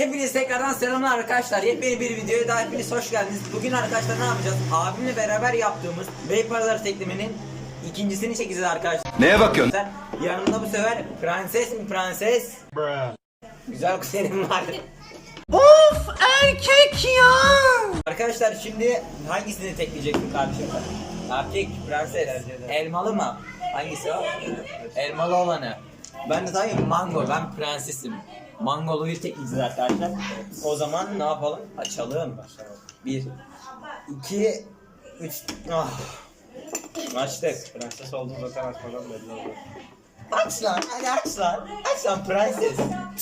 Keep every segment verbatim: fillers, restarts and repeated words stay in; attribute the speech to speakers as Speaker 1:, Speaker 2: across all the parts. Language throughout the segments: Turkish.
Speaker 1: Hepiniz tekrardan selamlar arkadaşlar. Yepyeni bir videoya daha hepiniz hoş geldiniz. Bugün arkadaşlar ne yapacağız? Abimle beraber yaptığımız Beypazarı teklemenin ikincisini çekeceğiz arkadaşlar.
Speaker 2: Neye bakıyorsun?
Speaker 1: Yanımda bu sefer prenses mi prenses?
Speaker 3: Bruh.
Speaker 1: Güzel kuzenim var.
Speaker 3: Of erkek ya.
Speaker 1: Arkadaşlar şimdi hangisini tekleyeceksin kardeşim? Erkek, prenses, elmalı mı? Hangisi o? Elmalı olanı. Ben de tabii mango, ben prensesim. Mangoluyu tekleyeceğiz arkadaşlar. O zaman ne yapalım? Açalım. Bir, iki, üç. Ah. Açtık.
Speaker 3: Prenses olduğunu zaten açmadan belli oldu.
Speaker 1: Aç lan, hadi aç lan. Aç lan prenses.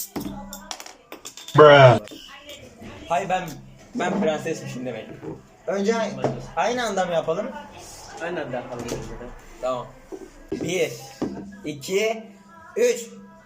Speaker 3: Bruh.
Speaker 1: Hayır ben ben prensesmişim demek. Önce aynı anda mı yapalım?
Speaker 3: Aynen de yapalım.
Speaker 1: Tamam. Bir, iki, üç.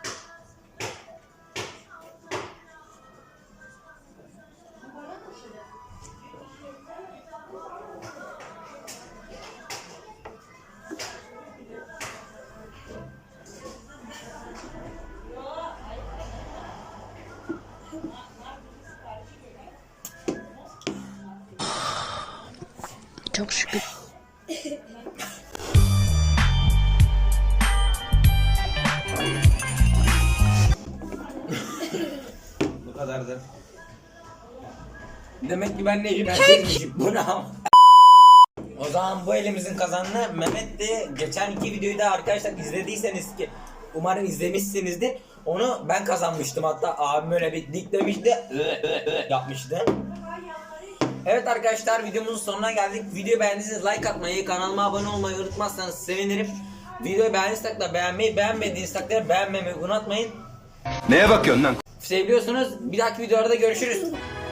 Speaker 4: Çok şükür.
Speaker 1: Bu kadardır. Demek ki ben ne prensesmişim. Bu ne ama? O zaman bu elimizin kazanını Mehmet de geçen iki videoyu da arkadaşlar izlediyseniz ki umarım izlemişsinizdir. Onu ben kazanmıştım, hatta abim öyle bir diklemişti yapmıştı. Evet arkadaşlar, videomuzun sonuna geldik. Videoyu beğendiyseniz like atmayı, kanalıma abone olmayı unutmazsanız sevinirim. Videoyu beğendiyseniz de beğenmeyi, beğenmediğiniz takdirde beğenmemeyi unutmayın.
Speaker 2: Neye bakıyorsun lan?
Speaker 1: Seviyorsunuz. Bir dahaki videolarda görüşürüz.